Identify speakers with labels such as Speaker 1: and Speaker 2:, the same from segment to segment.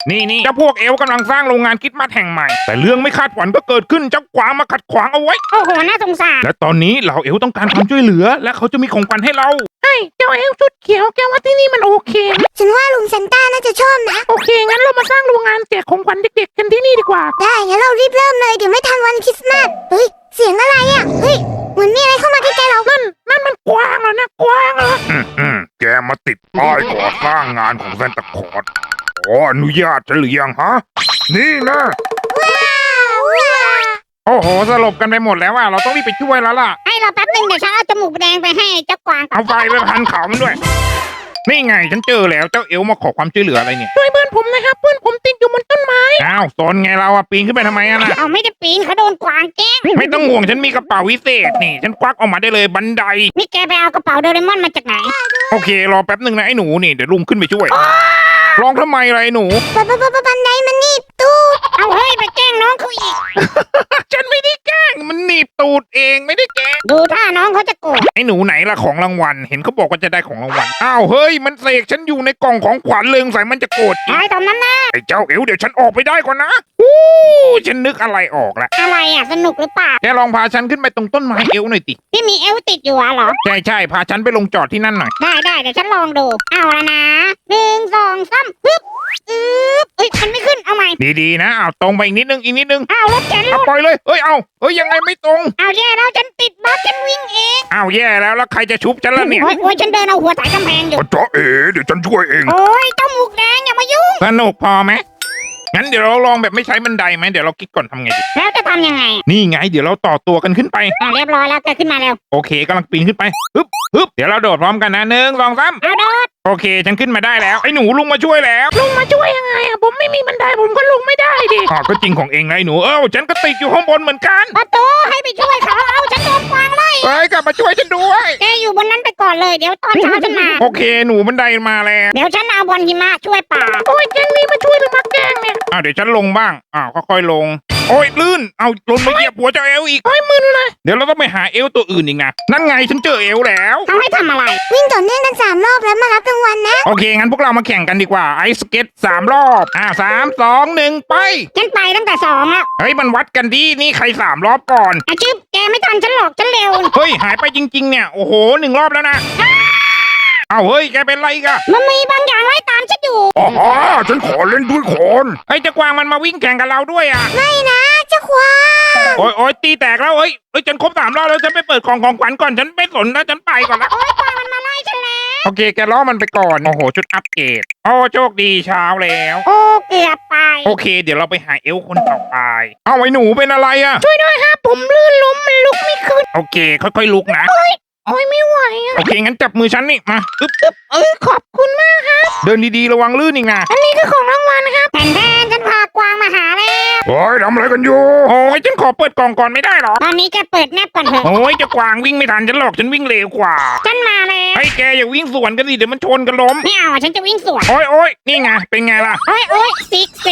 Speaker 1: นี่เจ้าพวกเอลกำลังสร้างโรงงานคริดมาสแห่งใหม่แต่เรื่องไม่คาดฝันก็เกิดขึ้นเจ้ากวางมาขัดขวางเอาไว้
Speaker 2: โอ้โหน่าสงสาร
Speaker 1: และตอนนี้เหล่าเอลต้องการความช่วยเหลือและเขาจะมีของขวัญให้เรา
Speaker 3: ใช่เจ้าเอลชุดเขียวแกว่าที่นี่มันโอเคไหม
Speaker 4: ฉันว่าลุงซันต้าน่าจะชอบนะ
Speaker 3: โอเคงั้นเรามาสร้างโรงงานแจกของขวัญเด็กๆกันที่นี่ดีกว่า
Speaker 4: ได้งั้นเรารีบเริ่มเลยเดี๋ยวไม่ทันวันคริสต์มาสเฮ้ยเสียงอะไรอ่ะเฮ้ยเหมือนมีอะไรเข้ามาใกล้ๆเรา
Speaker 3: นั่นมันกวางเหรอนะกวางเหรอ
Speaker 1: แกมาติดป้ายก่อสร้างงานของแซนตาคลอสขออนุญาตฉันหรือยังฮะนี่นะ
Speaker 4: ว้าวว้าว
Speaker 1: โอ้โหสลบกันไปหมดแล้วเราต้องรีบไปช่วยแล้วล่ะ
Speaker 2: ให้เราแป๊บนึงเดี๋ยวฉันเอาจมูกแดงไปให้เจ้ากวางก่อน
Speaker 1: เอาไฟไปพันเขามันด้วย นี่ไงฉันเจอแล้วเจ้าเอลมาขอความช่วยเหลืออะไรเนี่ย
Speaker 3: ช่วยเพื่อนผมนะครับเพื่อนผมติดอยู่บนต้นไม้
Speaker 1: อ้าวสนไงเราปีนขึ้นไปทำไมอะนะ
Speaker 2: เอาไม่ได้ปีนเขาโดนกวางแกล้ง
Speaker 1: ไม่ต้องห่วงฉันมีกระเป๋าวิเศษนี่ฉันควักออกมาได้เลยบันได
Speaker 2: นี่แกไปเอากระเป๋าโดเรมอนมาจากไหน
Speaker 1: โอเครอแป๊บหนึ่งนะไอ้หนูนี่เดี๋ยวลุงขึ้นไปช่วยร้องทำไมไรหนู
Speaker 4: บันไดมันหนีบตู้
Speaker 2: เอาเฮ้ยไปแกล้งน้องเขาอีก
Speaker 1: ฉันไม่ได้แกล้งมันหนีบตูดเองไม่ได้แกล้ง
Speaker 2: ดูท่าน้องเขาจะโกรธ
Speaker 1: ไอ้หนูไหนล่ะของรางวัลเห็นเขาบอกว่าจะได้ของรางวัลอ้าวเฮ้ยมันเสกฉันอยู่ในกล่องของขวัญเลยสงสัยมันจะโกรธอีก
Speaker 2: ไอ้ตอนนั้นนะ
Speaker 1: ไอ้เจ้าเอวเดี๋ยวฉันออกไปได้ก่อนนะอู้ฉันนึกอะไรออกละ
Speaker 2: อะไรอ่ะสนุกหรือเปล่า
Speaker 1: แกลองพาฉันขึ้นไปตรงต้นไม้เอวหน่อยติ
Speaker 2: ที่มีเอวติดอยู่อะเหรอ
Speaker 1: ใช่พาฉันไปลงจอดที่นั่นหน่อย
Speaker 2: ได้เดี๋ยวฉันลองดู เอาละนะ1 2 3ปึ๊บเอ้ยมันไม่ขึ้นเอาใหม่
Speaker 1: ดีๆนะอ้าวตรงไปอีกนิดนึงอีกนิดนึง
Speaker 2: เอารถแกน
Speaker 1: เอา
Speaker 2: ลูก
Speaker 1: ปล่อยเลยเฮ้ยเอาเฮ้ยยังไงไม่ตรง
Speaker 2: เอาแย่แล้วฉันติดบัสฉันวิ่งเอง
Speaker 1: อ้าวแย่แล้วใครจะชุบฉันล่ะเนี่ย
Speaker 2: โอ้ยฉันเดินเอาหัวสายกำแพงอยู่
Speaker 1: จ้าเอ๋เดี๋ยวฉันช่วยเอง
Speaker 2: โอ้ยเจ้าหมูกแดงอย่ามายุ่ง
Speaker 1: สนุกพอไหมงั้นเดี๋ยวเราลองแบบไม่ใช้บันไดไหมเดี๋ยวเราคิดก่อนทำไงดี
Speaker 2: แล้วจะทำยังไง
Speaker 1: นี่ไงเดี๋ยวเราต่อตัวกันขึ้นไป
Speaker 2: เรียบร้อยแล้วแกขึ้นมาเร็ว
Speaker 1: โอเคกำลังปีนขึ้นไปฮึบเดี๋ยวเราโดดพร้อมกันนะ1 2 3
Speaker 2: เอาโดด
Speaker 1: โอเคฉันขึ้นมาได้แล้วไอ้หนูลุงมาช่วยแล้ว
Speaker 3: ลุงมาช่วยยังไงอะผมไม่มีบันไดผมก็ลงไม่ได้ดิ
Speaker 1: ก็จริงของเองนะไอ้หนูฉันก็ติดอยู่ข้างบนเหมือนกัน
Speaker 2: ประตูให้ไปช่วยเขาเอาฉันโดนกวางไล่
Speaker 1: เฮ้ยกลับมาช่วยฉันด้วย
Speaker 2: แกอยู่บนนั้นไปก่อนเลยเดี๋ยวตอนเช้าฉันมา
Speaker 1: โอเคหนูบันไดมาแล้ว
Speaker 2: เดี๋ยวฉันเอาบอลหิมะช่วยป่า
Speaker 3: โอ้ยแกงนี้มาช่วยหรือมาแกล้งเนี่ย
Speaker 1: เดี๋ยวฉันลงบ้างค่อยๆลง โอ้ยลื่นเอาลงมาเหยียบหัวเจ้าเอลอีก
Speaker 3: โอ้ยมึนเลย
Speaker 1: เดี๋ยวเราต้องไปหาเอลตัวอื่นอีกนะนั่นไงฉันเจอเอลแล้ว
Speaker 2: เขาให้ทำอะไร
Speaker 4: วิ่งต่อเนื่องกัน3 รอบแล้วมารับรางวัลนะ
Speaker 1: โอเคงั้นพวกเรามาแข่งกันดีกว่าไอสเก็ต3 รอบ3 2 1ไป
Speaker 2: ฉันไปตั้งแต่2แล้ว
Speaker 1: เฮ้ยมันวัดกันดินี่ใคร3 รอบก่อน
Speaker 2: อาชิบแกไม่ทันฉันหรอกฉันเร็ว
Speaker 1: เฮ้ยหายไปจริงๆเนี่ยโอ้โห1 รอบแล้วนะเอาเฮ้ยแกเป็นไรอีกัน
Speaker 2: มันมีบางอย่างไล่ตามฉันอยู่
Speaker 1: อ๋อฉันขอเล่นด้วยคนไอ้เจ้ากวางมันมาวิ่งแข่งกับเราด้วยอ่ะ
Speaker 4: ไม่นะเจ้าควาย
Speaker 1: โอ้ยตีแตกแล้วเฮ้ยฉันครบ3 รอบแล้วฉันไปเปิดของขวัญก่อนฉันไม่สนนะฉันไปก่อนละ
Speaker 2: โอ้ยกวางมันมาไล่ฉันแล้ว
Speaker 1: โอเคแกล้อมันไปก่อนโอ้โหชุดอัปเกรดโอ้โชคดีเช้าแล้ว
Speaker 2: โอ้เกือบไป
Speaker 1: โอเค เดี๋ยวเราไปหาเอลคนต่อไปเอาไอ้หนูเป็นอะไรอ่ะ
Speaker 3: ช่วยด้วยครับผมลื่นล้มมันลุกไม่ขึ้น
Speaker 1: โอเคค่อยๆลุกนะ
Speaker 3: โอ้ยไม่ไหวอะ
Speaker 1: โอเคงั้นจับมือฉันนี่มาอึ๊บ
Speaker 3: ขอบคุณมากครับ
Speaker 1: เดินดีๆระวังลื่นอีกนะ
Speaker 3: อันนี้คือของรางวัลนะครับ
Speaker 2: แผ่นฉันพากวางมาหาแล้ว
Speaker 1: โอ้ยทำอะไรกันอยู่โอ้ยฉันขอเปิดกล่องก่อนไม่ได้หรอ
Speaker 2: ตอนนี้แกเปิดแนบก่อนเถอะ
Speaker 1: โอ้ยเจ้ากวางวิ่งไม่ทันฉันหรอกฉันวิ่งเร็วกว่า
Speaker 2: ฉันมาแล้ว
Speaker 1: ไอ้แกอย่าวิ่งสวนกันสิเดี๋ยวมันชนกันล้ม
Speaker 2: ไม่เอาฉันจะวิ่งสวน
Speaker 1: โอ้ยนี่ไงเป็นไงล่ะ
Speaker 2: โอ้ย6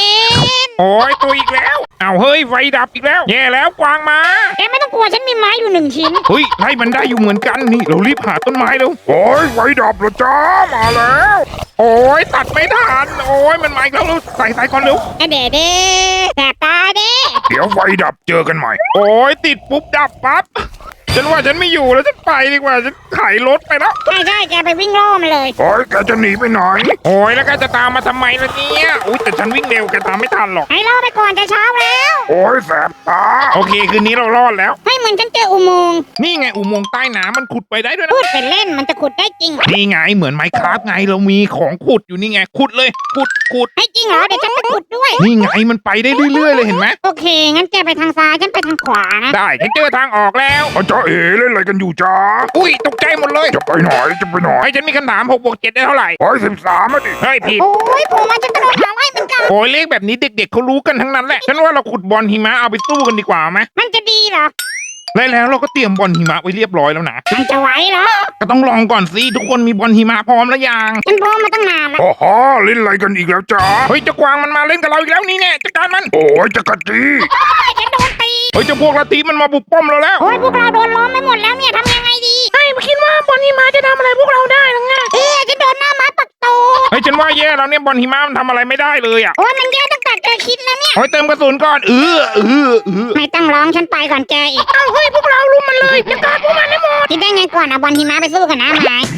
Speaker 2: 7
Speaker 1: โอ้ยตัวอีกแล้วเอาเฮ้ยไฟดับอีกแล้วแย่แล้วกวางมา
Speaker 2: แกไม่ต้องกลัวฉันมีไม้อยู่1 ชิ้น
Speaker 1: เฮ้ยไล่มันได้อยู่เหมือนกันนี่เรารีบหาต้นไม้เร็วโอ้ยไฟดับแล้วจ้ามาแล้ว โอ้ยตัดไม่ทันโอ้ยมันมาอีกแล้วเร็วใส่ก่อนเร็ว
Speaker 2: เด้แสบตาเด้
Speaker 1: เดี๋ยวไฟดับเจอกันใหม่ โอ้ยติดปุ๊บดับปั๊บฉันว่าฉันไม่อยู่แล้วฉันไปดีกว่าฉันขายรถไปแล้ว
Speaker 2: ใช่แกไปวิ่งล่อมันเลย
Speaker 1: โอ้ยแกจะหนีไปไหนโอ้ยแล้วแกจะตามมาทำไมล่ะเนี่ยอุ้ยแต่ฉันวิ่งเร็วแกตามไม่ทันหรอก
Speaker 2: ให้ล่อไปก่อนจะเช้าแล้ว
Speaker 1: โอ้ยแสบตาโอเคคืนนี้เรารอดแล้ว
Speaker 2: ให้เหมือนฉันเจออุโมงค์
Speaker 1: นี่ไงอุโมงค์ใต้น้ำมันขุดไปได้ด้วยนะ
Speaker 2: พูดเป็นเล่นมันจะขุดได้จริง
Speaker 1: นี่ไงเหมือนไมค์คราฟไงเรามีของขุดอยู่นี่ไงขุดเลยขุด
Speaker 2: ให้จริงเหรอเดี๋ยวฉันไปขุดด้วย
Speaker 1: นี่ไงมันไปได้เรื่อยๆเลยเห็นไหม
Speaker 2: โอเคงั้นแกไปทางซ้ายฉันไปทางขวานะ
Speaker 1: ได้ฉันเจอทางออกแล้วจ้าเอ๋เล่นอะไรกันอยู่จ้าอุ้ยตกใจหมดเลยจะไปไหนไอ้ฉันมีคำถาม6 บวก 7ได้เท่าไหร่13อ่ะดิเฮ้ยผิด
Speaker 2: โอ้ยผมว่าฉันกระโดดหาไล่เหมือนกัน
Speaker 1: โอ้ยเลขแบบนี้เด็กๆเขารู้กันทั้งนั้นแหละฉันว่าเราขุดบอลหิมะเอาไปสู้กันดีกว่าไหม
Speaker 2: มันจะดีเหรอ
Speaker 1: แล้วเราก็เตรียมบอลหิมะไว้เรียบร้อยแล้วนะ
Speaker 2: มันจะไหวเหรอ
Speaker 1: ก็ต้องลองก่อนสิทุกคนมีบอลหิมะพร้อมแล้วยัง
Speaker 2: ฉันพร้อมมาตั้งนานแล้ว
Speaker 1: โอ้โหเล่นอะไรกันอีกแล้วจ้าเฮ้ยเจ้ากวางมันมาเล่นกับเราอีกแล้วนี่แน่จัดการมันโอ้ยจักรจี
Speaker 2: ฉันโดนตี
Speaker 1: เฮ้ยเจ้าพวกลัทธิมันมาบุกป้อมเราแล้ว
Speaker 2: โอ้ยพวกเราโดนล้อมไปหมดแล้วเนี่ยทำยังไงดี
Speaker 3: ไม่คิดว่าบอลนี่มาจะทำอะไรพวกเราได้หรือไง
Speaker 2: ฉันโดนหน้าไม้ปักโต
Speaker 1: เฮ้ยฉันว่าแย่แล้วเนี่ยบอลหิมะมันทำอะไรไม่ได้เลยอ่ะ
Speaker 2: โอ้ยมันแย่ตั้งแต่แกคิดนะเนี่ย
Speaker 1: โอ้ยเติมกระสุนก่อน
Speaker 2: ไม่ต้องร้องฉันไปก่อนแกอีก
Speaker 3: เอาเฮ้ยพวกเรารุมมันเลยจัดการพวกมันให้หมด
Speaker 2: คิดได้ไงก่อนเอาบอลหิมะไปสู้กับน้ำไม้